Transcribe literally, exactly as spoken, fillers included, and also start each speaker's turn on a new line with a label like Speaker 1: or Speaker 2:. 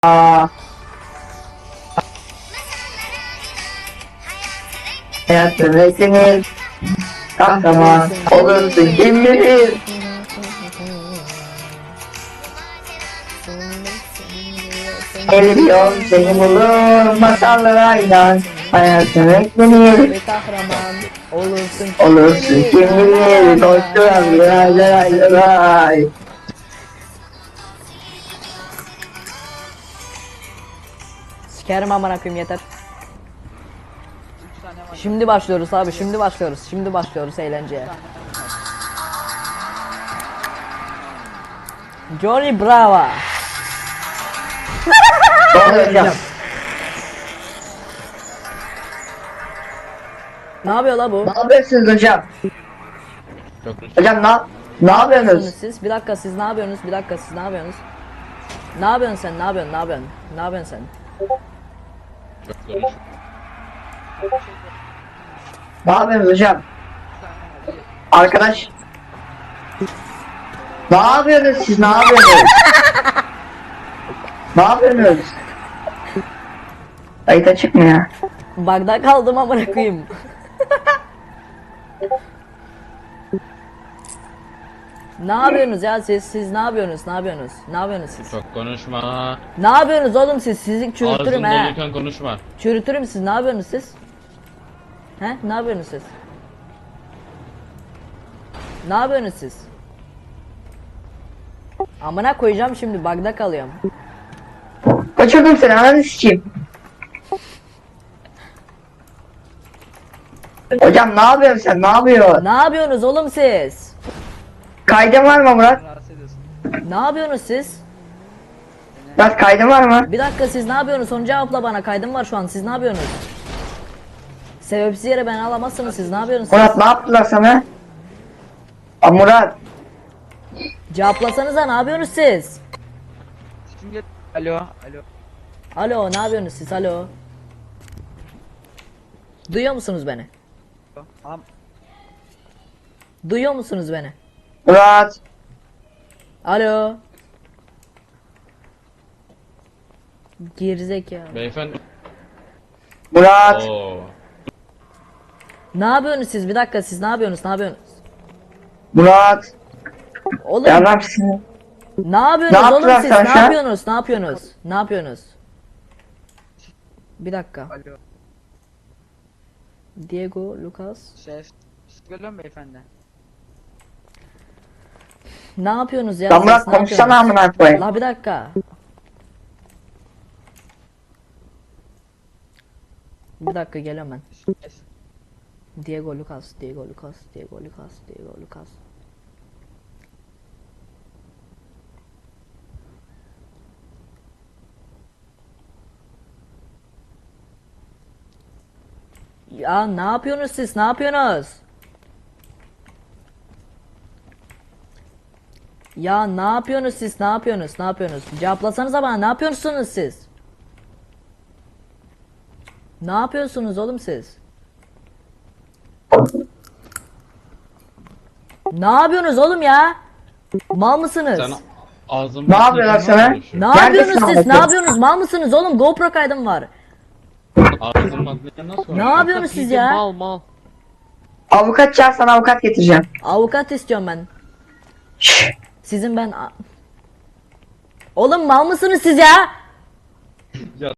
Speaker 1: Aa, hayatın renklenir, kahraman olursun kim bilir. Eli bir yol seni bulur, masallara inan, hayatın renklenir,
Speaker 2: Ve kahraman olursun
Speaker 1: olursun kim bilir. Koşturan lay lay lay lay.
Speaker 2: Sikerim amına koyayım yeter. Şimdi başlıyoruz abi, şimdi başlıyoruz. Şimdi başlıyoruz eğlenceye. Johnny Bravo.
Speaker 1: Doğru hocam.
Speaker 2: Ne yapıyor la bu?
Speaker 1: Ne yapıyorsunuz hocam? Hocam ne, ne yapıyorsunuz?
Speaker 2: Siz bir dakika, siz ne yapıyorsunuz? Bir dakika, siz ne yapıyorsunuz? Ne yapıyorsun sen? Ne yapıyorsun? Ne yapıyorsun? Ne yapıyorsun sen?
Speaker 1: Ne yapıyorsunuz hocam? Arkadaş. Ne yapıyorsunuz siz? Ne yapıyorsunuz? Ne yapıyorsunuz? Kayıt açık mı ya?
Speaker 2: Bagda kaldım amına koyayım. Ne yapıyorsunuz ya siz? Siz ne yapıyorsunuz? Ne yapıyorsunuz? Ne yapıyorsunuz siz?
Speaker 3: Çok konuşma.
Speaker 2: Ne yapıyorsunuz oğlum siz? Sizi çürütürüm
Speaker 3: Ağzın
Speaker 2: he.
Speaker 3: doluyken konuşma.
Speaker 2: Çürütürüm siz. Ne yapıyorsunuz siz? He? Ne yapıyorsunuz siz? Ne yapıyorsunuz siz? Amına koyacağım şimdi, bagda kalıyorum.
Speaker 1: Kaçırdım seni, ananı sikeyim. Hocam ne yapıyorsun sen? Ne yapıyorsun?
Speaker 2: Ne yapıyorsunuz oğlum siz?
Speaker 1: Kaydın var mı Murat?
Speaker 2: Ne yapıyorsunuz siz?
Speaker 1: Murat kaydın var mı?
Speaker 2: Bir dakika, siz ne yapıyorsunuz? Son cevapla bana, kaydım var şu an. Siz ne yapıyorsunuz? Sebepsiz yere beni alamazsınız. Siz ne yapıyorsunuz?
Speaker 1: Murat
Speaker 2: Siz?
Speaker 1: ne yaptılar sana? Aa, Murat.
Speaker 2: Cevaplasanıza, ne yapıyorsunuz siz?
Speaker 4: Alo, alo.
Speaker 2: Alo, ne yapıyorsunuz siz? Alo. Duyuyor musunuz beni?
Speaker 4: Am
Speaker 2: Duyuyor musunuz beni?
Speaker 1: Murat.
Speaker 2: Alo. Gerizekalı.
Speaker 3: Beyefendi.
Speaker 1: Murat.
Speaker 3: Oo.
Speaker 2: Ne yapıyorsunuz siz? Bir dakika, siz ne yapıyorsunuz? Ne yapıyorsunuz?
Speaker 1: Murat.
Speaker 2: Oğlum
Speaker 1: Ya lan seni.
Speaker 2: ne yapıyorsunuz
Speaker 1: Ne
Speaker 2: oğlum
Speaker 1: yaptılar
Speaker 2: siz?
Speaker 1: sana
Speaker 2: Ne
Speaker 1: şu an?
Speaker 2: yapıyorsunuz? Ne yapıyorsunuz? Ne yapıyorsunuz? Bir dakika.
Speaker 4: alo.
Speaker 2: Diego, Lucas.
Speaker 4: Ses. Geliyor mu beyefendi?
Speaker 2: Ne yapıyorsunuz ya?
Speaker 1: Lan
Speaker 2: siz?
Speaker 1: Murat
Speaker 2: Ne
Speaker 1: konuşsana
Speaker 2: yapıyorsunuz?
Speaker 1: amına koyayım.
Speaker 2: La bir dakika. Bir dakika, geliyorum ben.
Speaker 4: Ses.
Speaker 2: Diego Lucas, Diego Lucas, Diego Lucas, Diego Lucas. Ya ne yapıyorsunuz siz? Ne yapıyorsunuz? Ya ne yapıyorsunuz siz? Ne yapıyorsunuz? Ne yapıyorsunuz? Cevaplasanıza bana, ne yapıyorsunuz siz? Ne yapıyorsunuz oğlum siz? Ne yapıyorsunuz oğlum ya? Mal mısınız?
Speaker 3: Sen ağzın
Speaker 1: Ne yapıyorlar sana?
Speaker 2: Ne
Speaker 1: Neredesin
Speaker 2: yapıyorsunuz siz?
Speaker 1: Ahmet
Speaker 2: Ne
Speaker 1: ya?
Speaker 2: yapıyorsunuz? Mal mısınız oğlum? GoPro kaydım var.
Speaker 3: Ağzın bakmayan nasıl
Speaker 2: Ne yapıyorsunuz siz ya?
Speaker 3: Mal mal.
Speaker 1: Avukat çağır, sana avukat getireceğim.
Speaker 2: Avukat istiyorum ben.
Speaker 1: Şşş.
Speaker 2: Sizin ben... Oğlum mal mısınız siz ya?
Speaker 3: Ya